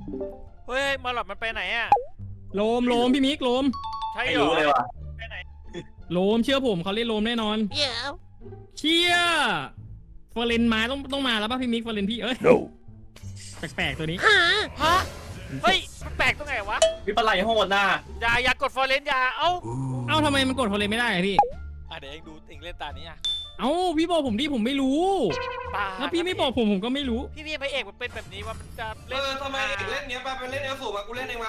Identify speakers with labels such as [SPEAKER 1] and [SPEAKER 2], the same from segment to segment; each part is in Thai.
[SPEAKER 1] เฮ้ยมาหลอดมันไปไหนอ่ะ
[SPEAKER 2] โลมพี่มิกโลม
[SPEAKER 1] ใช่
[SPEAKER 3] ไม่
[SPEAKER 1] เหร
[SPEAKER 3] รู้
[SPEAKER 1] อ
[SPEAKER 3] เลยว่ะ
[SPEAKER 1] ไปไหน
[SPEAKER 2] โลมเชื่อผมเขาเล่นโลมแน่นอนเชี่ยเฟอร์เรนมาต้องมาแล้วป่ะพี่มิกเฟอร์เรนพี่เอ้ยแปลกๆตัวนี้
[SPEAKER 1] ฮะเฮ้ยมันแปลกตรงไหนวะ
[SPEAKER 3] วิปลาไหลโหดน่ะ
[SPEAKER 1] อย่ากดฟอร์เรนอย่าเอ้า
[SPEAKER 2] ทำไมมันกดเฟอร์เรนไม่ได้อะพี่
[SPEAKER 1] เดี๋ยวเองดูเองเล่นตานี้อ่ะ
[SPEAKER 2] พี่บอกผมดิผมไม่รู้
[SPEAKER 1] ป่า
[SPEAKER 2] แล้วพี่ไม่บอกผมก็ไม่รู้
[SPEAKER 1] พี่พระเอกมันเป็นแบบนี้ว่ามันจะเล่น
[SPEAKER 4] ทำไมเล่นเนี้ยไปเล่นเอลสูบมากูเล่นเองมา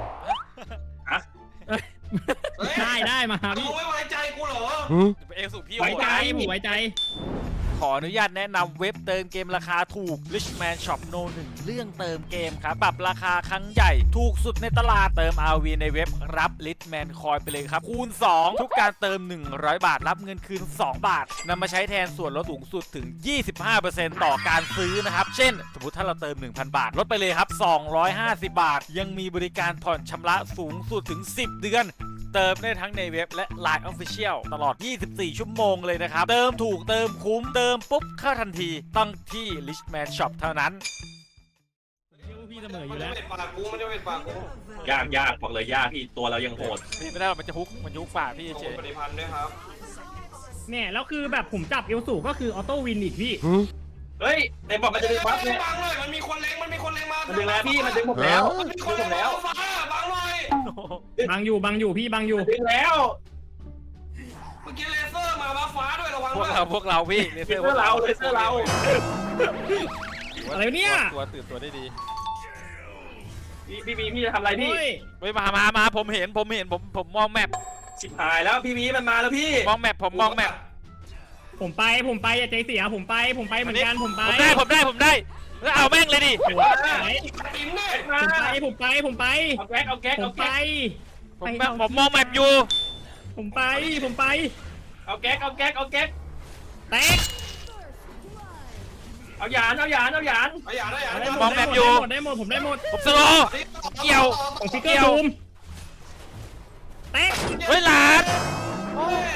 [SPEAKER 2] ได้มา
[SPEAKER 4] มึ
[SPEAKER 2] พี่
[SPEAKER 4] งไม่ไว้ใจกูเหรอ
[SPEAKER 1] เอกสู่พี่
[SPEAKER 2] ไว้ใจ
[SPEAKER 1] โหด
[SPEAKER 2] ผมไว้ใจ
[SPEAKER 1] ขออนุญาตแนะนำเว็บเติมเกมราคาถูก Richman Shop No 1 เรื่องเติมเกมครับปรับราคาครั้งใหญ่ถูกสุดในตลาดเติม RV ในเว็บรับ Richman Coin ไปเลยครับคูณ 2 ทุกการเติม 100 บาทรับเงินคืน 2 บาทนำมาใช้แทนส่วนลดสูงสุดถึง 25% ต่อการซื้อนะครับเช่นสมมติถ้าเราเติม 1,000 บาทลดไปเลยครับ250 บาทยังมีบริการผ่อนชำระสูงสุดถึง10 เดือนเติมได้ทั้งในเว็บและ Line Official ตลอด 24 ชั่วโมงเลยนะครับ เติมถูกเติมคุ้มเติมปุ๊บเข้าทันทีต้องที่ Richman Shop เท่านั้น
[SPEAKER 2] พี่เสมออ
[SPEAKER 4] มัน
[SPEAKER 2] ยู่
[SPEAKER 4] จะ
[SPEAKER 2] แล้ว
[SPEAKER 4] เป็นปากกูมันจะเป็นปากกู
[SPEAKER 3] ยากบอกเลยยากพี่ตัวเรายังโหด
[SPEAKER 1] พี่ไม่ได้หรอกมันจะฮุกมันยุกป่าพี่
[SPEAKER 4] โอ้
[SPEAKER 1] เฉย
[SPEAKER 4] ปฏิพันธ์ด้วยครับ
[SPEAKER 2] เนี่ยแล้วคือแบบผมจับเอลสูก็คือออโต้วินอีกพี่
[SPEAKER 3] เฮ้ยไอ้บอกมันจะดึงบัฟเนี่ย
[SPEAKER 4] บังเลยมันมีคนเล็งมา
[SPEAKER 3] มันดึงแล้วพี่มันดึงผมแล้ว
[SPEAKER 4] มันมีคนเล็งแล้วฟ้าบังเลย
[SPEAKER 2] บังอยู่พี่บังอยู่
[SPEAKER 3] ดึงแล้ว
[SPEAKER 4] เมื่อกี้เลเซอร์มาบัฟฟ้าด้วยระวัง
[SPEAKER 1] พวกเราพี่เล
[SPEAKER 3] เล
[SPEAKER 1] เซ
[SPEAKER 3] เซ
[SPEAKER 1] อ
[SPEAKER 3] อ
[SPEAKER 1] ร์
[SPEAKER 3] ร์เราเลเซอร์เรา
[SPEAKER 2] อะไรเนี่ย
[SPEAKER 1] ตัวตื่นตัวได้ดี
[SPEAKER 3] พี่จะทำอะไรพี่
[SPEAKER 2] โอ้ย
[SPEAKER 1] เฮ้ยมาผมเห็นผมมองแมป
[SPEAKER 3] ชิบหายแล้วพี่มันมาแล้วพี่
[SPEAKER 1] มองแมปผมมองแมป
[SPEAKER 2] ผมไปอย่าใจเสียผมไปเหมือนกันผมไป
[SPEAKER 1] ผมได้แล้วเอาแม่งเลยดิ
[SPEAKER 2] หัวไหน
[SPEAKER 4] อินเนี่ย
[SPEAKER 3] มา
[SPEAKER 2] ผมไป
[SPEAKER 3] เอาแก๊ก
[SPEAKER 1] ผมมองแมปอยู่
[SPEAKER 2] ผมไป
[SPEAKER 3] เอาแก๊ก
[SPEAKER 2] แตก
[SPEAKER 3] เอาหยาน
[SPEAKER 4] เอาอย่า
[SPEAKER 2] ได้หมดผมได้หมด
[SPEAKER 1] ผมสโลว์เกี่ยว
[SPEAKER 2] ผมฟิกเกอร์บูมแตก
[SPEAKER 1] เฮ้ยหลาน
[SPEAKER 4] โอ้ย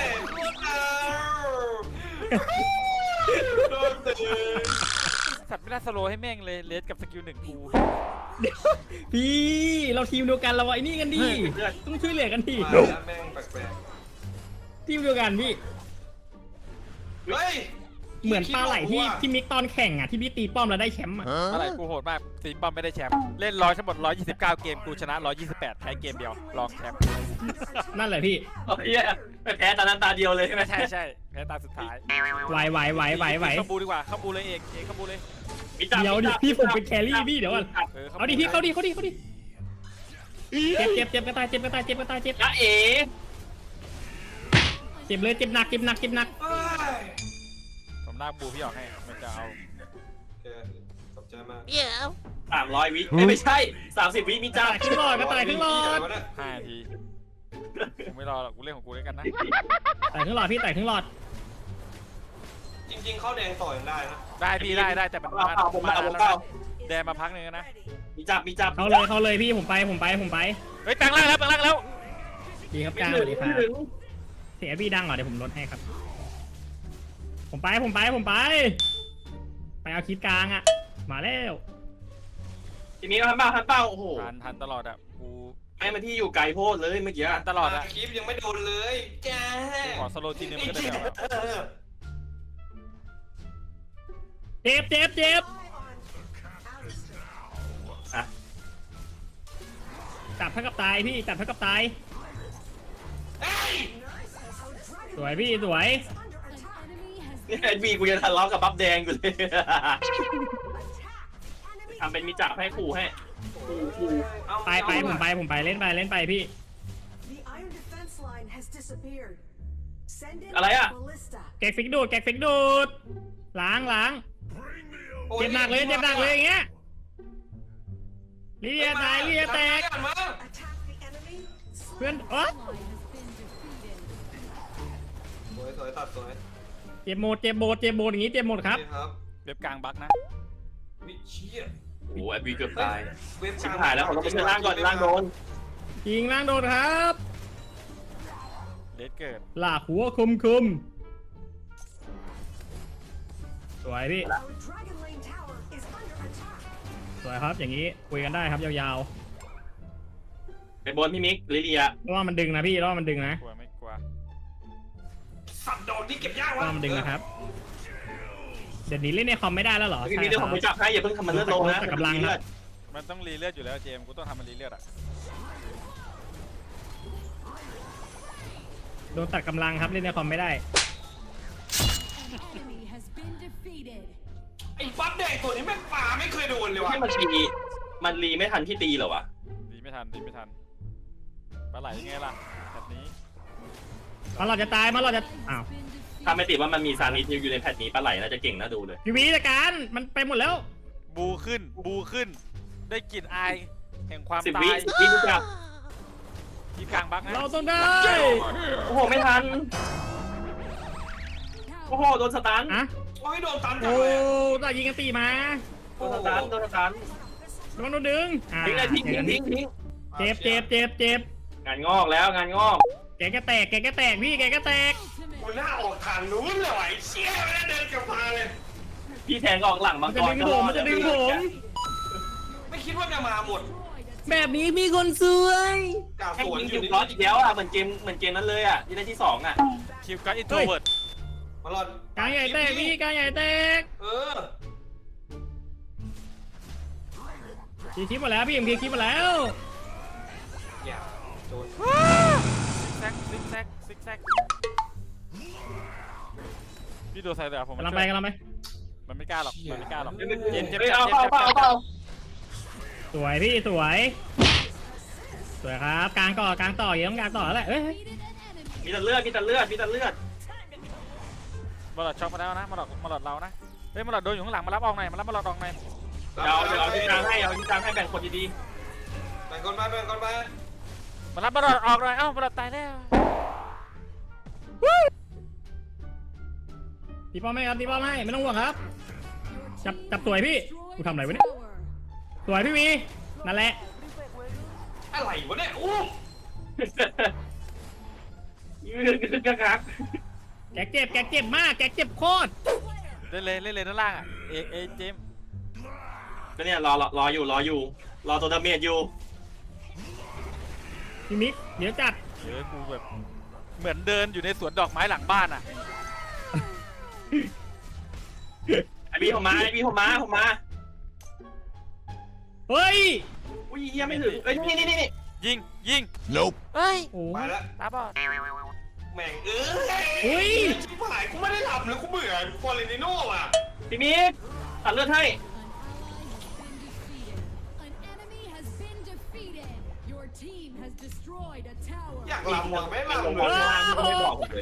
[SPEAKER 4] โดนเตะ
[SPEAKER 1] สัตว์ไม่น่าสโลว์ให้แม่งเลยเลสกับสกิล 1กู
[SPEAKER 2] พี่เราทีมเดียวกันเราไอ้นี่กันดิต้องช่วยเหลือกันดิ
[SPEAKER 4] มาแล้วแม่งแปลก
[SPEAKER 2] ทีมเดียวกันพี่
[SPEAKER 4] ๆเฮ้ย
[SPEAKER 2] เหมือนปลาไหลที่มิกตอนแข่งอ่ะที่พี่ตีป้อมแล้วได้แชมป์อ่ะ
[SPEAKER 1] อะไรกูโหดมากตีป้อมไม่ได้แชมป์เล่นร้อยทั้งหมด129 เกมกูชนะ128แพ้เกมเดียวรองแชมป์
[SPEAKER 2] นั่นแหละพี่
[SPEAKER 3] โอ้ยไปแพ้ตานั้นตาเดียวเลยใช่ไหม
[SPEAKER 1] ใช่แพ้ตาสุดท้าย
[SPEAKER 2] ไหว
[SPEAKER 1] เข้าบูดีกว่าเข้าบูเลยเอกเข้าบูเลย
[SPEAKER 2] เดี๋ยวดิพี่ผมเป็นแครี่พี่เดี๋ยวก่อนเอาดิพี่เข้าดิเจ็บกระต่ายเจ็บ
[SPEAKER 3] จ้าเอ๋
[SPEAKER 2] เจ็บเลยเจ็บหนัก
[SPEAKER 4] เอ้ย
[SPEAKER 1] ผมหน้าบูพี่ออกให้มันจะเอา
[SPEAKER 4] โอเคขอบใจมาก
[SPEAKER 3] 300 วิไม่ใช่30 วิมีจ้า
[SPEAKER 2] ครึ่งหลอดกระต่ายครึ่งหลอด
[SPEAKER 1] 5 นาทีกูไม่รอหรอกกูเล่นของกูด้วยกันนะ
[SPEAKER 2] แต่ครึ่งหลอดพี่แต่ครึ่งหลอด
[SPEAKER 4] จริงๆเข้าแดงต่อยังได้นะ
[SPEAKER 1] ได้พี่ได้แต่มันมาแดนมาพักหนึ่งนะ
[SPEAKER 3] มีจับ
[SPEAKER 2] เข้าเลยพี่ผมไป
[SPEAKER 1] เฮ้ยแปลงร่างแล้ว
[SPEAKER 2] ดีครับจ้าสวัสดีครับเสียพี่ดังเหรอเดี๋ยวผมลดให้ครับผมไปไปเอาคลิปกลางอ่ะมาแล้ว
[SPEAKER 3] ทีนี้ทันเป้าโอ้โห
[SPEAKER 1] ทันตลอดอ่ะกู
[SPEAKER 3] ไอ้มันที่อยู่ไกลโพดเลยเมื่อกี้
[SPEAKER 1] ทันตลอดอ่ะ
[SPEAKER 4] คลิปยังไม่โดนเลยแก
[SPEAKER 1] ขอสโลทีนึงก็ได้เดี๋ยว
[SPEAKER 2] เจ็บจับเท่ากับตายพี่จับเท่ากับตายสวยพี่สวย
[SPEAKER 3] นี่ไอ้บีกูจะทะเลาะกับบัฟแดงอยู่เลยทำเป็นมีจับให้ขู่ให้ขู่
[SPEAKER 2] ไปผมไปเล่นไปพี่
[SPEAKER 3] อะไรอ่ะ
[SPEAKER 2] แกฟิกดูดล้างเจ็บหนักเลยอย่างเงี้ยลีเลียแตกเพื่อนอ๋อ
[SPEAKER 4] สวยตัดสวย
[SPEAKER 2] เจ็บหมดอย่างงี้เจ็บหมดครับ
[SPEAKER 1] เว็บกลางบั๊กนะ
[SPEAKER 4] วิเชีย
[SPEAKER 3] โอ้ไอ้บีเกือบตาย
[SPEAKER 4] เว็บ
[SPEAKER 3] ชิบหายแล้วผมต้องไปเชิญล่างก่อนล่างโดน
[SPEAKER 2] ยิงล่างโดนครับ
[SPEAKER 1] เลสเกิด
[SPEAKER 2] หลากหัวคมสวยพี่สวยครับอย่างนี้คุยกันได้ครับยาว
[SPEAKER 3] ไปบนพี่มิกลิเลีย
[SPEAKER 2] ๆเพราะว่ามันดึงนะพี่เพราะว่ามันดึงนะ
[SPEAKER 1] กลัวไม่กลัว
[SPEAKER 4] สัตว์โดนที่เก็บยาก
[SPEAKER 2] เพ
[SPEAKER 4] วะ
[SPEAKER 2] ราะว่ามันดึงนะครับเดี๋ยวนี้เล่นในคอมไม่ได้แล้วเหรอ
[SPEAKER 3] พี่
[SPEAKER 2] ใช่
[SPEAKER 3] มิกเดี๋ยว
[SPEAKER 2] ค
[SPEAKER 3] ผ
[SPEAKER 2] รั
[SPEAKER 3] ม
[SPEAKER 2] บ
[SPEAKER 3] ไปจับให้อย่าเพิ่งทำมันเลือดลงนะ
[SPEAKER 2] แต่กำลังครับ
[SPEAKER 1] มันต้องรีเลือดอยู่แล้วเจมส์กูต้องทำมันรีเลือดอ่ะ
[SPEAKER 2] โดนตัดกำลังครับเล่นในคอมไม่ได้
[SPEAKER 5] Enemy has been defeated.
[SPEAKER 4] ไอ้บัฟแดงตัวนี้แม่งป่าไม่เคยโดนเลยวะ
[SPEAKER 3] ให้มันรีไม่ทันที่ตีเหรอวะ
[SPEAKER 1] ดีไม่ทันดีไม่ทันปลาไหลยังไงล่ะแบบนี้
[SPEAKER 2] มาหลอดจะตายมาหลอดจะอ้าว
[SPEAKER 5] Been defeated.
[SPEAKER 3] ถ้าไม่ติดว่ามันมีซานิสอยู่ในแพทนี้ปลาไหลน่าจะเก่งน่าดูเลย
[SPEAKER 2] พี่วีจัดการมันไปหมดแล้ว
[SPEAKER 1] บูขึ้นบูขึ้น ได้กลิ่นอายแห่งความ
[SPEAKER 3] 10
[SPEAKER 1] ตา
[SPEAKER 3] วิ
[SPEAKER 1] ย
[SPEAKER 3] 10 วิทุกอย่าง
[SPEAKER 1] ที่กลางบักนะ
[SPEAKER 2] เราต้องได้
[SPEAKER 3] โอ้โหไม่ทันโอ้โหโดนสตัน
[SPEAKER 2] อะ
[SPEAKER 4] โอ้ยโดนตันจั
[SPEAKER 2] โอ้
[SPEAKER 4] งเลยอะ
[SPEAKER 2] ตายิงกันตีมา
[SPEAKER 3] โดนสตันโดนสตัน
[SPEAKER 2] ระวังโดนดึงอ่า
[SPEAKER 3] ทิ้งเลยทิ้ง
[SPEAKER 2] เจอกัน
[SPEAKER 3] ทิ้งทิ้ง
[SPEAKER 2] เจ็บเจ็บเจ็บเจ็บ
[SPEAKER 3] งานงอกแล้วงานงอก
[SPEAKER 2] แกก็แตกแกก็แตกพี่แกก็แตก
[SPEAKER 4] กูหน้าออกทางนู้นเลยว่ะไอ้เชี่ยไม่ได้เดินกลับมาเลย
[SPEAKER 3] พี่แทงก็ออกหลังมั
[SPEAKER 2] มั
[SPEAKER 3] ง
[SPEAKER 2] น
[SPEAKER 3] ก
[SPEAKER 2] จะ
[SPEAKER 3] ร
[SPEAKER 2] ดึงผมมันจะดึงผม
[SPEAKER 4] ไม่คิดว่าจะมาหมด
[SPEAKER 2] แบบนี้มีคนสวย
[SPEAKER 4] กล่าว
[SPEAKER 3] แค่
[SPEAKER 4] สวน
[SPEAKER 3] ยิง
[SPEAKER 4] อ
[SPEAKER 3] คิ
[SPEAKER 4] ยู่
[SPEAKER 3] ว
[SPEAKER 4] นี่
[SPEAKER 3] คลอสอีกแล้วอ่ะเหมือนเกมนั้นเลยอ่ะที่ได้ที่2อ่ะ
[SPEAKER 1] คิวการ์ดอินโทรเวิร์ด
[SPEAKER 4] มาหลอด
[SPEAKER 2] กลางใหญ่แตกพี่กลางใหญ่แตก
[SPEAKER 4] เออ
[SPEAKER 2] ทีคลิปมาแล้วพี่เอ็มเคคลิปมาแล้ว
[SPEAKER 4] อย่าโดน
[SPEAKER 1] ซิกแซกซิกแซกพี่ดูใส่เดี๋ยวผม
[SPEAKER 2] กำลังไปกำลังไป
[SPEAKER 1] มันไม่กล้าหรอกมันไม่กล้าหรอก
[SPEAKER 3] เฮ้
[SPEAKER 1] เจมส์เจม
[SPEAKER 3] ย
[SPEAKER 1] ส์
[SPEAKER 3] เอา
[SPEAKER 1] เจมส์
[SPEAKER 3] เปล่า
[SPEAKER 1] เจมส์
[SPEAKER 3] เปล่า
[SPEAKER 2] สวยพี่สวยสวยครับกลางต่อกลางต่อเยอะต้องกลางต่อแล้วแหละเอ้ย
[SPEAKER 5] Defeated an enemy.
[SPEAKER 3] มีแต่เลือดมีแต่เลือดมีแต่เลือด
[SPEAKER 1] มาหลอดช็อกมาแล้วนะมาหลอดเรานะเฮ้ยมาหลอดโดนอยู่ข้างหลังมารับออกหน่อยมารับมาหลอดออกหน่อย
[SPEAKER 3] เดี๋ยวเอาที่กลางให้เอาที่กลางให้แบ่งคนดี
[SPEAKER 4] แบ่งก่อนไปแบ่งก่อนไป
[SPEAKER 1] มารับมาหลอดออกหน่อยเอ้ามาหลอดตายแล้ว
[SPEAKER 2] ตีป้อมให้ครับตีป้อมให้ไม่ต้องห่วงครับ
[SPEAKER 5] Your
[SPEAKER 2] Chập-
[SPEAKER 5] team
[SPEAKER 2] chập tuổi
[SPEAKER 5] has
[SPEAKER 2] พี่
[SPEAKER 5] destroyed
[SPEAKER 2] กูทำอะไร
[SPEAKER 5] a
[SPEAKER 2] วะเนี่ย
[SPEAKER 5] tower.
[SPEAKER 2] สวยพี่วีนั่นแหละ
[SPEAKER 4] อะไรวะเนี่ยอู้
[SPEAKER 3] ๆยืดกระคัก
[SPEAKER 2] แกเจ็บมากแกเจ็บโคตร
[SPEAKER 1] เล่นเลยด้านล่างอ่ะเอเจมส์
[SPEAKER 3] ก็เนี่ยรออยู่รอตัวดาเมจอยู่
[SPEAKER 2] พี่มิกเดี๋ยวจัด
[SPEAKER 1] เดี๋ยวกูแบบเหมือนเดินอยู่ในสวนดอกไม้หลังบ้านอ่ะ
[SPEAKER 3] ไอพี่ผมมา
[SPEAKER 2] เฮ้ย
[SPEAKER 3] อุ้ยเฮียไม่ถึงเอ้ยนี่
[SPEAKER 1] ยิงเฮ้ย
[SPEAKER 2] โอ้
[SPEAKER 4] ไปละ
[SPEAKER 1] ตาบอด
[SPEAKER 4] แม่ง
[SPEAKER 2] อุ้ย
[SPEAKER 4] ชิบหายกูไม่ได้หลับเลยกูเบื่อฟอร์เรนิโน่อ่ะ
[SPEAKER 3] พี่มิกตัดเลือดให้
[SPEAKER 5] An enemy has been defeated. Your team has destroyed a tower.
[SPEAKER 4] อยากหลับหมดไม่หลับ
[SPEAKER 3] ลง
[SPEAKER 4] เล
[SPEAKER 3] มาย ข้างล่างที่ไม่บอกผมเลย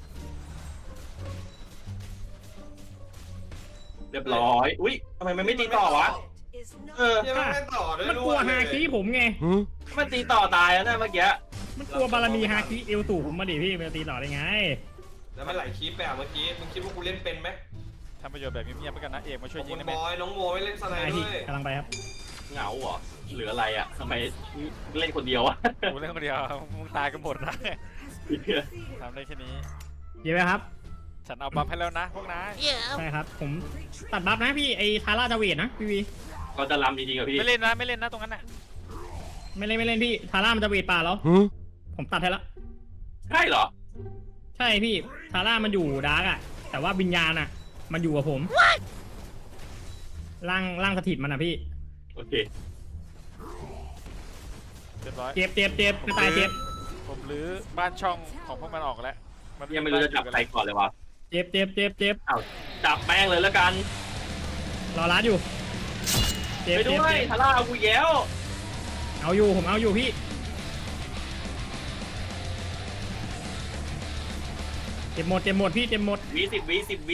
[SPEAKER 3] เรียบร้อยอุ้ยทำไมมันไม่ตีต่อวะเออ
[SPEAKER 4] ยังไม่ต่อด้วย
[SPEAKER 2] มันกลัวฮาคิผมไง
[SPEAKER 3] มันตีต่อตายแล้วนะเมื่อกี้
[SPEAKER 2] มันกลัวบารมีฮาคิเอลตู่ผมมาดิพี่มันจะตีต่อได้ไง
[SPEAKER 4] แล้วมันไหลคลิปแบบเมื่อกี้มึงคิดว่ากูเล่นเป็นไหม
[SPEAKER 1] ทำประโยชน์แบบเงียบๆไปกันนะเอกมาช่วย
[SPEAKER 4] ขอบ
[SPEAKER 1] ยิ
[SPEAKER 4] คุ
[SPEAKER 1] ง
[SPEAKER 4] ณ
[SPEAKER 1] ได้ไห
[SPEAKER 4] บ
[SPEAKER 1] ม
[SPEAKER 4] อยน้องโมไม่เล่นสไน
[SPEAKER 2] ได้
[SPEAKER 4] ด์ด้
[SPEAKER 2] พี่
[SPEAKER 4] วย
[SPEAKER 2] กำลังไปครับ
[SPEAKER 3] เหงาเหรอเหลืออะไรอ่ะทำไมเล่นคนเดียวอะ
[SPEAKER 1] กูเล่นคนเดียวมึงตายกันหมดนะทำได้แค่นี้
[SPEAKER 2] เดี๋ยวไปครับ
[SPEAKER 1] ฉันเอาบัฟให้แล้วนะพวกนาย
[SPEAKER 2] ใช่ครับผมตัดบัฟนะพี่ไอ้ทาร่าจะเวทนะพี่วี
[SPEAKER 3] ก็จะลำจริงๆกับพี่
[SPEAKER 1] ไม่เล่นนะตรงนั้นน่ะ
[SPEAKER 2] ไม่เล่นพี่ทาร่ามันจะเวทป่าแล้วผมตัดให้ละ
[SPEAKER 3] ใช่เหรอ
[SPEAKER 2] ใช่พี่ทาร่ามันอยู่ดาร์กอะแต่ว่าวิญญาณอะมันอยู่กับผมร่างสถิตมันอะพี่
[SPEAKER 3] โอเค
[SPEAKER 1] เรียบร้อย
[SPEAKER 2] เจ็บกระต่ายเจ็บ
[SPEAKER 1] ผมรื้อบ้านช่องของพวกมันออกแล้ว
[SPEAKER 3] ยังไม่รู้จะจับใครก่อนเลยวะ
[SPEAKER 2] เจ็บ
[SPEAKER 3] อ้าวจับแป้งเลยแล้วกัน
[SPEAKER 2] รอรัดอยู่เจ็บ
[SPEAKER 3] ไปด้วยทาร่าเอากูแย้ว
[SPEAKER 2] เอาอยู่ผมเอาอยู่พี่เจ็บหมดพี่เจ็บหมด
[SPEAKER 3] 10 วิ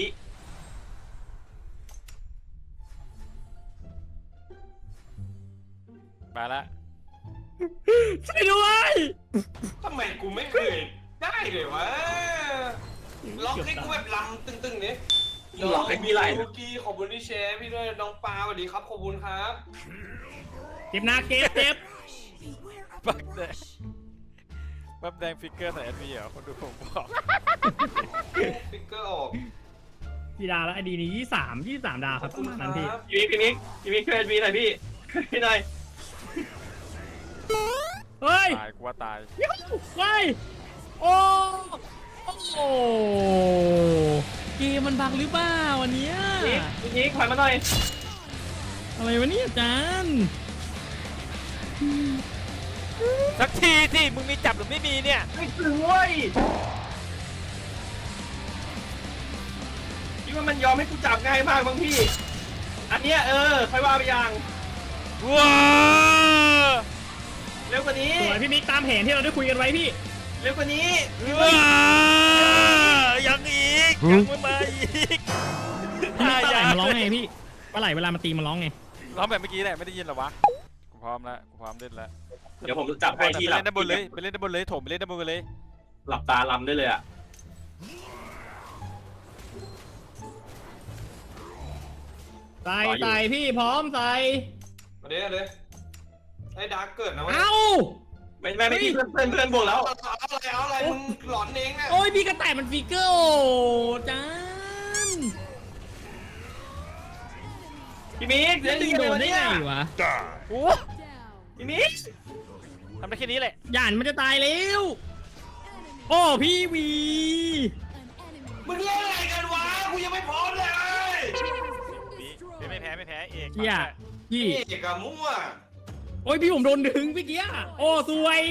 [SPEAKER 1] ไปละ
[SPEAKER 2] ช่วยด้วย
[SPEAKER 4] ทำไมกูไม่เคยได้เลยวะล็อกให้กูแบบลำตึงๆเนี่ย
[SPEAKER 3] หลอกให้พี่ไล่
[SPEAKER 4] ลูกี้ขอบคุณที่แชร์พี่ด้วยน้องปาสวัสดีครับขอบคุณครับ
[SPEAKER 2] เจ็บหนักเจ็บ
[SPEAKER 1] บักแดงบัฟแดงฟิกเกอร์ใส่แอดวีเหรอคนดูผมบอก
[SPEAKER 4] ฟิกเกอร์ออก
[SPEAKER 2] กี่ดาวแล้วไอดีนี้23ดาวครับ
[SPEAKER 4] ขอบคุณครับ
[SPEAKER 2] นั่นพี่
[SPEAKER 3] พี่มิกช่วยวีหน่อยพี่พี่นาย
[SPEAKER 2] เฮ้ย
[SPEAKER 1] ตายกูว่าตาย
[SPEAKER 2] เฮ้ยโอ้โอ้เกมมันบังหรือเปล่าวันเนี้ย
[SPEAKER 3] นี่ถอยมาหน่อย
[SPEAKER 2] อะไรวะเนี่ยอาจารย์
[SPEAKER 1] สักทีสิมึงมีจับหรือไม่มีเนี่ย
[SPEAKER 3] ไม่ถึงเว้ยคิดว่ามันยอมให้กูจับง่ายมากบางพี่ อันเนี้ยค่อยว่าไปอย่าง
[SPEAKER 1] ว้า
[SPEAKER 3] เร็วกว่านี้
[SPEAKER 2] สวยพี่มิกตามแผนที่เราได้คุยกันไว้พี่
[SPEAKER 3] เร็วกว่านี้
[SPEAKER 1] ยังอีกยังไม่มาอีก
[SPEAKER 2] ปลาไหลมันร้องไงพี่ปลาไหลเวลามันตีมันร้องไง
[SPEAKER 1] ร้องแบบเมื่อกี้แหละไม่ได้ยินหรอวะกูพร้อมแล้วกูพร้อมเล่นแล้ว
[SPEAKER 3] เดี๋ยวผมจับให้ที่
[SPEAKER 1] ไป
[SPEAKER 3] หลับ
[SPEAKER 1] เล่นด้านบนเลยไปเล่นด้านบนเลยโถมไปเล่นด้านบนเลย
[SPEAKER 3] หลับตาลำได้เลยอ่ะ
[SPEAKER 2] ใส่พี่พร้อมใส่
[SPEAKER 4] มาเด้เลยไอ้ดาร์กเกิดนะเว้ย
[SPEAKER 2] เอ้า
[SPEAKER 3] ไม่พี่เพื่อนบวกแล้ว
[SPEAKER 4] เอาอะไรมึงหลอนเองเนี่ย
[SPEAKER 2] โอ้ยพี่กระต่ายมันฟิกเกอร์โอ้จาน
[SPEAKER 3] พี่มิก
[SPEAKER 2] จะ
[SPEAKER 3] เล่น
[SPEAKER 2] ดึง
[SPEAKER 3] ยัง
[SPEAKER 2] โด
[SPEAKER 3] ไง
[SPEAKER 2] น
[SPEAKER 3] วะ
[SPEAKER 2] ได้
[SPEAKER 3] เนี่ย
[SPEAKER 2] ไงวะ
[SPEAKER 1] โอ้
[SPEAKER 5] Down.
[SPEAKER 3] พี่มิก
[SPEAKER 1] ทำได้แค่นี้แหละ
[SPEAKER 2] หยานมันจะตายแล้วโอ้พี่วี
[SPEAKER 5] An enemy
[SPEAKER 4] มึงเล่นอะไรกันวะกูยังไม่พร้อมเลย
[SPEAKER 1] ไม่แพ้ไม่แพ้เอก
[SPEAKER 2] เฮียพี่
[SPEAKER 4] เอกอะมั่ว
[SPEAKER 2] โอ้ยพี่ผมโดนดึงเมื่อกี้โอ้สวย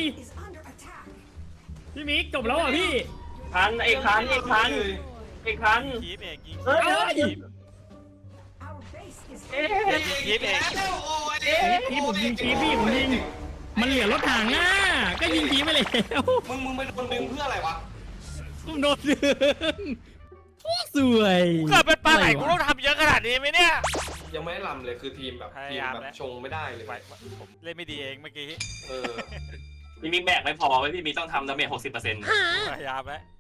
[SPEAKER 2] พี่มิกจบแล้วอ่ะพี่
[SPEAKER 3] คันไอ้คัน
[SPEAKER 1] คีบเอกยิง
[SPEAKER 3] เฮ้ย
[SPEAKER 1] คีบ
[SPEAKER 3] เอ๊ะ
[SPEAKER 1] คีบเอก
[SPEAKER 4] แล้วโอ้ย
[SPEAKER 2] พี่ผมยิงคีพี่ผมยิงมันเหลือรถถังอ่ะก็ยิงคีไปแล้ว
[SPEAKER 4] มึงไปโดนดึงเพื่ออะไรวะ
[SPEAKER 2] ผมโดนดึงโอ้สวย
[SPEAKER 1] เกิดเป็นปลาไหลกูต้องทำเยอะขนาดนี้ไหมเนี่ย
[SPEAKER 4] ยังไม่ได้ลำเลยคือทีมแบบชงไม่ได้เลย
[SPEAKER 1] ผมเล่นไม่ดีเองเมื่อกี้
[SPEAKER 4] เออ
[SPEAKER 3] พี่มิกแบกไม่พอไว้พี่มิกต้องทำดาเมจ60%
[SPEAKER 1] พยายามแล้ว